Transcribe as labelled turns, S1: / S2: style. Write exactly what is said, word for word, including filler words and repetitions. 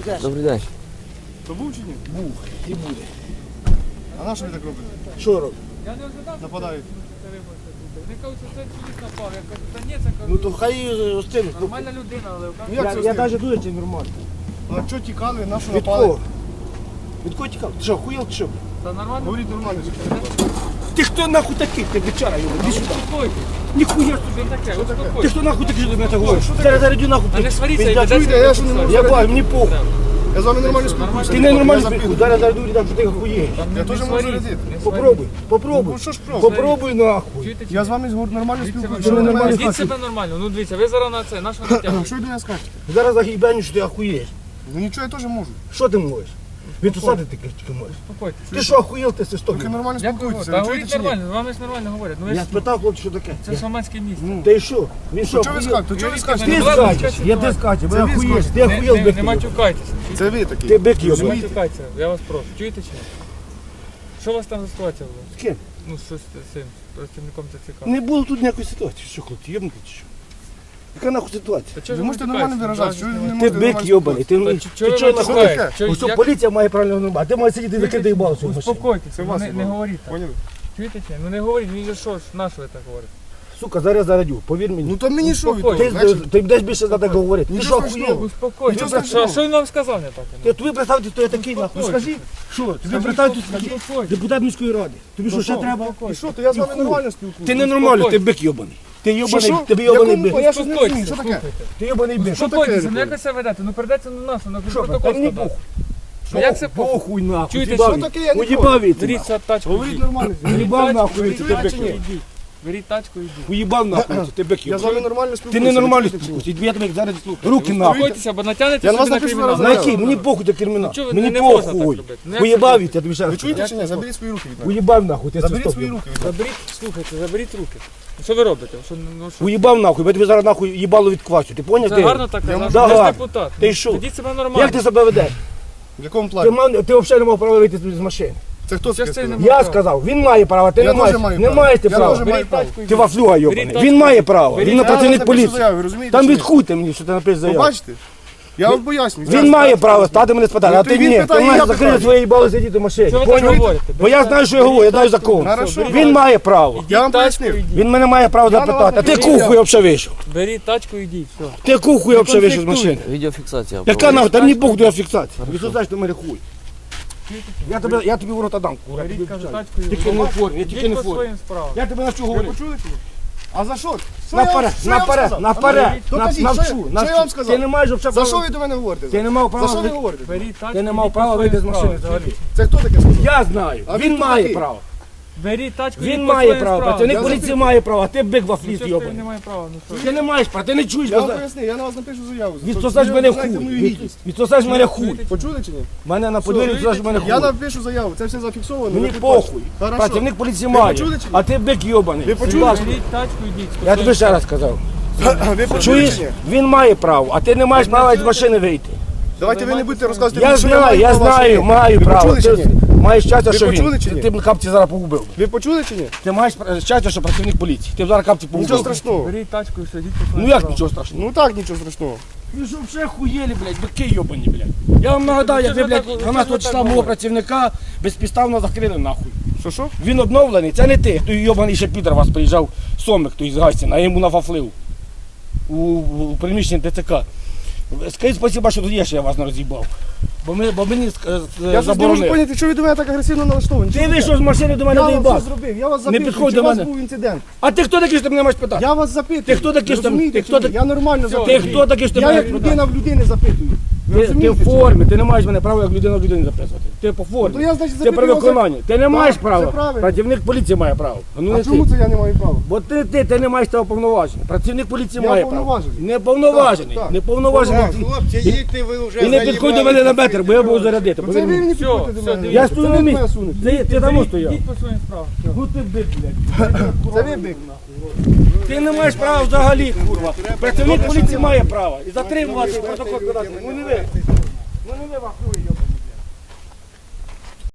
S1: Добрий день.
S2: То був чи ні?
S3: Був і буде.
S2: А на що ви так робите?
S3: Що робить?
S4: Я не ожидав,
S2: Нападають.
S4: що це виборця буде. Вони кажуть, що це чоловік напав. Я кажу, та ні, це
S3: Ну
S4: кажу,
S3: то хай остинуть.
S4: нормальна людина, але
S2: Ну,
S3: Я,
S2: як це
S3: я
S2: остинуть?
S3: навіть дуже чи нормально.
S2: А що тікали, на що
S3: Від
S2: напали?
S3: кого? Від кого тікав? Ти що, хуєл чи що?
S4: та нормально.
S2: Говоріть нормально.
S3: Ти хто нахуй такий? Ти бичара його, іди сюди.
S4: Успокойтесь.
S3: Ніхуя.
S4: Що таке?
S3: Ти
S4: Успокойтесь.
S3: хто нахуй такий, що ти мене так говориш? Зараз зарядю нахуй.
S4: Та не сваріться,
S3: Пиздя,
S4: і
S2: чуєте,
S4: ведеться
S2: я ж не
S4: до
S2: можу.
S3: Я бачу, мені похуй.
S2: Я з вами нормально
S4: Нормально.
S2: спілкуюся.
S3: Ти не нормально
S2: Я
S3: спілкуй.
S2: запитую.
S3: Зараз зарядю, дам, що ти хуєш.
S2: Я теж можу радіти.
S3: Попробуй, попробуй.
S2: Ну що ж пробуй?
S3: Попробуй нахуй.
S4: Чуєте, чи
S2: Я
S4: ні?
S2: з вами згор- нормально
S4: Ведіть себе
S2: спілкуюся.
S3: Що ви
S4: нормально.
S3: нормально
S4: Ведіть
S3: скажете?
S4: себе нормально. Ну дивіться, ви зараз на це, на що натягуєте?
S2: Що ви до мене скажете?
S3: Зараз загибаню, що ти охуєш.
S2: Ну нічого, я теж можу.
S3: Що ти можеш? Відсусати ти тільки можеш.
S4: Успокойтесь.
S3: Ти що охуєл, ти свисток?
S2: Тільки нормально
S4: Як ви
S2: спілкуйтеся.
S4: Та
S2: Ви
S4: говоріть
S2: чуєте чи ні?
S4: нормально, з вами ж нормально говорять. Ну ви
S3: Я
S4: ж,
S3: спитав, хлопці, що таке.
S4: це шаманське місце.
S2: Ну,
S3: Та й що? Він що,
S2: то чого ви
S3: охуєл?
S2: скажете? То чого ви
S3: Ти
S2: скажете?
S4: Ну, ладно,
S3: скачеш,
S4: скажіть,
S3: я ти
S4: ладно.
S3: скачеш, ви
S2: Це ви
S3: охуєш, ти
S2: скажете.
S4: Не,
S3: охуєл,
S4: не,
S3: бик
S4: не
S3: йобаний.
S4: матюкайтеся.
S3: Ти
S2: Це ви такі.
S3: бик
S4: Не
S3: йобаний.
S4: матюкайтеся, я вас прошу. Чуєте чи ні? Що у вас там за ситуація була?
S3: З ким?
S4: Ну, що з цим працівником ТЦК?
S3: Не було тут ніякої ситуації. Що, хлопці, єбнути чи що? Яка нахуй ситуація?
S4: Та чого
S2: Ви
S4: ж
S2: можете
S4: матюкаєтеся?
S2: нормально виражатися. Чого ви не
S3: Ти
S2: можете
S3: бик
S2: нормально
S3: йобаний, ти,
S4: Та
S3: ти,
S4: ч- чого ви
S3: чого
S4: матюкаєтеся?
S3: нахуй?
S4: Чого-
S3: Ось що
S4: як-
S3: поліція має правильно нормати, ти маєш сидіти закидати їбало свою машину.
S4: Успокойтеся,
S2: Це
S4: ну,
S2: вас
S4: не, не
S2: їбало.
S4: говоріть так.
S2: Поняли?
S4: Чуєте чи ні? Ну не говоріть, він же що ж, на що ви так говорите?
S3: Сука, зараз зарядю, повір мені.
S2: Ну то мені що ви
S4: Успокойтесь.
S2: тут?
S3: Ти,
S2: Значить,
S3: ти будеш більше за так говорити. Ти
S2: Нічого
S3: що
S2: страшного.
S3: охуєв?
S4: Успокойтесь.
S2: Нічого
S4: Що,
S2: страшного.
S4: що він вам сказав не так?
S3: Ти тобі представте, хто я такий нахуй. Ну скажи, що? Тобі представте,
S4: Успокойтесь.
S3: депутат міської ради. Тобі що, ще треба?
S2: І що, то я з вами
S3: Ніхуя.
S2: нормально спілкуюся.
S3: Ти ненормальний, ти бик йобаний. Ти
S2: Що,
S3: йобаний,
S2: що?
S3: тобі йобаний
S2: Якому-
S3: бик.
S2: Я щось не розумію, що
S4: Успокойтесь,
S2: таке?
S4: слухайте.
S3: Ти йобаний бик. Що
S4: Успокойтеся,
S2: таке?
S4: ну як ви себе ведете? Ну прийдеться на нас, на
S3: Що,
S4: протокол
S3: та мені
S4: складати.
S3: похуй.
S4: Ну як це похуй?
S3: Похуй нахуй.
S4: Чуєте,
S3: Уїбав
S4: що
S3: він.
S2: таке? Я не
S3: Уїбав він.
S4: Беріть цю тачку,
S2: Говоріть
S4: йдіть.
S2: нормально.
S3: Уїбав нахуй,
S4: Беріть
S3: ти
S4: тачку,
S3: бик
S4: йдіть.
S3: йобаний.
S4: Беріть тачку, йдіть.
S3: Уїбав нахуй, ти бик
S2: Я з вами
S3: йобаний.
S2: нормально
S3: Ти
S2: спілкуюся.
S3: не нормально
S2: ви чуєте чи ні?
S3: спілкуйся. Я тебе зараз слухаю. Руки нахуй.
S4: Успокойтеся, бо натягнете
S2: Я на
S4: собі
S2: вас
S4: на
S2: напишу
S4: кримінал.
S2: зараз.
S3: На який? Мені похуй до кримінал.
S4: Ну, чого ви-
S3: Мені
S4: не можна так
S3: похуй.
S4: робити. Ну, як це
S3: Уїбав
S4: робити?
S3: від, я тобі ще
S2: Ви
S3: раз
S2: чуєте
S3: кажу.
S2: чи ні? Заберіть свої руки від мене.
S3: Уїбав нахуй, ти
S2: Заберіть
S3: свисток
S2: свої
S3: йобаний.
S2: руки від мене.
S4: Заберіть, слухайте, заберіть руки. Ну, що ви робите? Що, ну, що?
S3: Уїбав нахуй, бо я тобі зараз нахуй їбало від квасю. Ти поняв?
S4: Це
S3: ти?
S4: гарно так
S2: Я
S4: казати.
S3: можу-
S4: Ви ж
S3: Да,
S4: депутат.
S3: Ти
S4: Ну,
S3: що?
S4: Ведіть себе нормально.
S3: Як ти себе ведеш?
S2: В якому
S3: Ти,
S2: плані?
S3: мав, ти взагалі не мав права вийти з машини.
S2: Це хто
S4: Що
S2: таке
S4: ж це
S2: сказав?
S4: не-
S3: Я сказав, він має право, ти
S2: Я
S3: не маєш.
S2: теж маю
S3: Не
S2: право.
S3: маєш ти
S2: Я
S3: права.
S2: теж маю
S4: Беріть
S2: право.
S4: тачку,
S3: Ти
S4: йдіть.
S3: вафлюга йобаний.
S4: Беріть
S3: Він
S4: тачку.
S3: має право.
S4: Беріть
S3: Він на
S2: Я вам
S3: працівник
S2: напишу
S3: поліції.
S2: заяву, ви розумієте
S3: Там
S2: чи ні?
S3: відхуйте мені, що ти напишеш
S2: Ви
S3: заяву.
S2: бачите? Я вам поясню.
S3: Він має право стати мене спитати,
S2: Ну,
S3: а
S2: то
S3: ти
S2: він
S3: ні. Ти
S2: питає,
S3: маєш
S2: я
S3: закрити
S2: питаю.
S3: своє їбало сидіти в машині.
S4: Що ви так
S3: Поняв?
S4: говорите?
S3: Бо я знаю, що я говорю, я знаю закон.
S2: Хорошо.
S3: Він має право.
S2: Я вам
S4: Тачку
S2: пояснив.
S4: йдіть.
S3: Він мене має право
S2: Я на
S3: запитати. А
S2: вас
S3: ти
S2: не
S3: кухуй взагалі вийшов.
S4: Беріть тачку, йдіть. Все.
S3: Ти кухуй взагалі вийшов з машини.
S1: Відеофіксація.
S3: Яка нахуй, там не Бог до фіксації. Відсосаєш на мене хуй. Я тебе, я тобі в рота дам, кура. я тобі
S4: Беріть, кажу,
S3: обіцяю.
S4: тачку,
S3: Тільки не в формі, я тільки не
S4: Йдіть
S3: в
S4: по
S3: формі.
S4: своїм справам.
S3: Я тебе навчу
S2: Ви
S3: говорити.
S2: почули чи ні? А за що? Що я вам-
S3: Наперед,
S2: що я вам
S3: наперед,
S2: сказав?
S3: наперед,
S2: А ну,
S3: нав-
S2: докажіть,
S3: навчу,
S2: що я-
S3: навчу.
S2: Що я вам сказав?
S3: Ти не маєш взагалі
S2: За
S3: права.
S2: що ви до мене говорите?
S3: Ти не мав права.
S2: За що ви
S3: ви-
S2: говорите?
S4: Беріть тачку,
S3: Ти не мав
S4: йдіть
S3: права
S4: по
S3: вийти з
S4: своїм
S3: машини
S4: справам.
S3: взагалі.
S2: Це хто таке сказав?
S3: Я знаю,
S2: А
S3: він
S2: він
S3: має
S2: такий.
S3: право.
S4: Беріть тачку,
S3: Він
S4: йдіть по
S3: має
S4: своїм
S3: право.
S4: справам.
S3: Працівник
S2: Я
S3: поліції
S2: запитую.
S3: має право, а ти бик
S4: Ну,
S3: вафліст
S4: що ж ти
S3: йобаний.
S4: не має права? Ну, що?
S3: Ти не маєш права, ти не чуєш.
S2: Я вам
S3: бо-
S2: пояснив, я на вас напишу заяву.
S3: Відсосаєш
S2: Ви
S3: мене
S2: знаєте мою
S3: хуй.
S2: гідність.
S3: Відсосаєш мене хуй.
S2: Почули чи ні?
S3: Мене на подвір'ї відсосаєш мене хуй.
S2: Я напишу заяву, це все зафіксовано.
S3: Мені
S2: ви
S3: похуй.
S2: Хорошо.
S3: Працівник поліції
S2: Ви
S3: має.
S2: почули чи ні?
S3: А ти бик йобаний.
S2: Ви почули?
S3: Будь ласка.
S4: Беріть тачку, йдіть. по
S3: Я
S4: своїм
S3: тобі ще раз сказав.
S2: Ви почули
S3: Чуєш?
S2: чи ні?
S3: Він має право, а ти не маєш права з машини вийти.
S2: Давайте ви не будете розказувати.
S3: Я
S2: мені, що
S3: знаю,
S2: маю
S3: я
S2: право, а що
S3: знаю,
S2: ні.
S3: маю
S2: Ви
S3: право.
S2: почули чи
S3: Ти
S2: ні?
S3: маєш щастя,
S2: Ви
S3: що
S2: почули
S3: він.
S2: чи ні?
S3: Ти б капці зараз погубив.
S2: Ви почули чи ні?
S3: Ти маєш щастя, що працівник поліції. Ти б зараз капці
S2: Нічого
S3: погубив.
S2: страшного.
S4: Беріть тачку і все, йдіть по своїм
S3: Ну як
S4: справам.
S3: нічого страшного?
S2: Ну так, нічого страшного.
S3: Ви що вже хуєлі, блядь, бики йобані, блядь. Я вам нагадаю, як ви,
S4: Чого ви
S3: блядь,
S4: так-
S3: дванадцятого
S4: чого ви
S3: числа
S4: так
S3: мого
S4: говорите?
S3: працівника безпідставно закрили нахуй.
S2: Що що?
S3: Він обновлений, це не ти. Той йобаний ще підер вас приїжджав, Сомик той з Гастіна, а йому нафафлив у, у приміщенні ТЦК. Скажіть спасибо, що тоді я вас не роз'їбав. Бо, ми, бо мені ск- е,
S2: Я щось не можу
S3: заборонили.
S2: поняти, що ви до мене так агресивно налаштовані.
S3: Ти
S2: Що
S3: вийшов з машини до мене
S2: Я вам
S3: доїбав.
S2: все зробив, я вас
S3: Не
S2: запитую,
S3: підходь
S2: чи
S3: до
S2: у вас
S3: мене.
S2: був інцидент.
S3: А ти хто такий, що ти мене маєш питати?
S2: Я вас запитую.
S3: Ти хто такий,
S2: Ви
S3: що ти-
S2: розумієте,
S3: ти
S2: чи
S3: хто
S2: ні?
S3: такий?
S2: Я нормально
S3: Ти
S2: запитую.
S3: хто такий, що ти
S2: Я
S3: мене
S2: як
S3: маєш
S2: людина
S3: питати?
S2: в людини запитую. Ви
S3: Ти, ти
S2: розумієте,
S3: в
S2: чи ні?
S3: формі, ти не маєш мене права як людина в людини записувати. Ти по формі.
S2: То я, значить,
S3: Ти
S2: запитую
S3: при
S2: вас,
S3: виконанні. Ти не маєш
S2: це
S3: права.
S2: правильно.
S3: Працівник поліції має право. Ну,
S2: А
S3: не
S2: чому
S3: ти.
S2: це я не маю права?
S3: Бо ти, ти, ти не маєш того повноваження. Працівник поліції
S2: Я
S3: має право.
S2: повноважений.
S3: Не повноважений.
S2: Так, так.
S3: Не повноважений.
S5: Хлопці, їдьте ви вже.
S3: І не підходь до мене на метр, бо я буду зарядити.
S2: Це
S3: повір
S2: ви
S3: мені.
S2: не
S4: Все,
S2: підходите до
S4: все,
S2: мене.
S4: дивіться.
S3: Я стою
S2: Це
S3: на
S2: ви
S3: місці.
S2: мене сунете.
S3: Ти, ти там стояв.
S4: Йдіть по своїм справам. Все.
S3: Ну ти бик, блядь.
S2: Це ви бик.
S3: Ти не маєш права взагалі, курва. Працівник поліції має право. І затримувати, і протокол подати. Ну не ви. Ну не ви, вахуй, йоба.